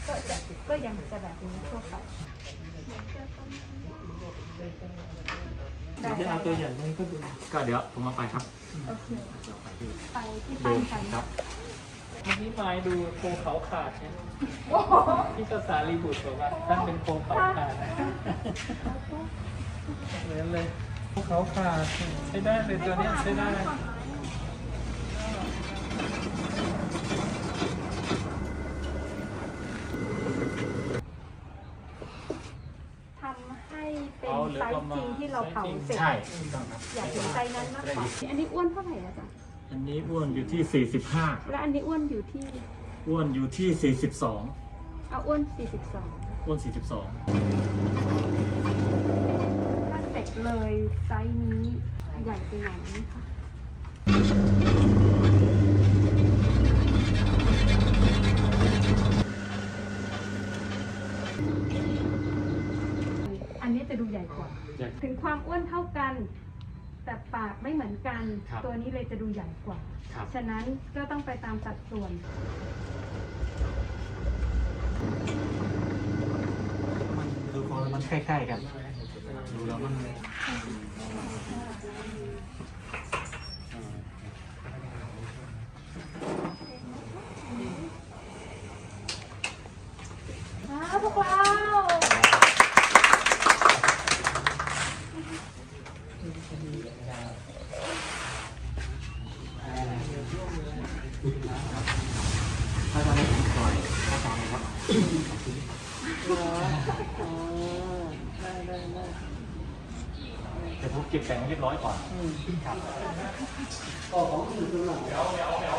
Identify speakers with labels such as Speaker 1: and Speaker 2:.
Speaker 1: ก็ยังจะแบบนี้ทั่วไป
Speaker 2: จะเอาตัวอย่างนี้ก็เดี๋ยวผมมาไปครับ
Speaker 1: โอเคไปที่ปั้นกัน
Speaker 2: ครับเมื่อกี้มาดูโคเขาขาดเนี่ยที่ภาษาลีบุตรบอกว่าท่านเป็นโคเขาขาดนะเหมือนเลยโคเขาขาดใช้ได้เลยตัวนี้ใช้ได้
Speaker 1: ทำให้เป็นไซส์จริงที่เราเผาเสร็จ
Speaker 2: ใช่ถูกต้องครับ
Speaker 1: อยากเห็นไซส์นั้นมากกว่าอันนี้อ้วนเท่าไหร่อาจารย์
Speaker 2: อันนี้อ้วนอยู่ที่45
Speaker 1: และอันนี้อ้วนอยู่ที่
Speaker 2: อ้วนอยู่ที่42
Speaker 1: เอาอ้วน42
Speaker 2: อ้วน42
Speaker 1: ถ้าเสร็จเลยไซส์นี้ใหญ่ไปไหนคะอันนี้จะดูใหญ่กว่าถึงความอ้วนเท่ากันแต่ปากไม่เหมือนกันตัวนี้เลยจะดูใหญ่กว่าฉะนั้นก็ต้องไปตามสัดส่วน
Speaker 2: มันดูของมันคล้ายๆกันดูแล้วมัน
Speaker 1: พวกเรา
Speaker 2: ถ้าทำให้ผมปล่อยถ้าทำครับแต่ผมเก็บแต่งเรียบร้อยก่อนครับก็ของอื่นตรงไหนเดี๋ยว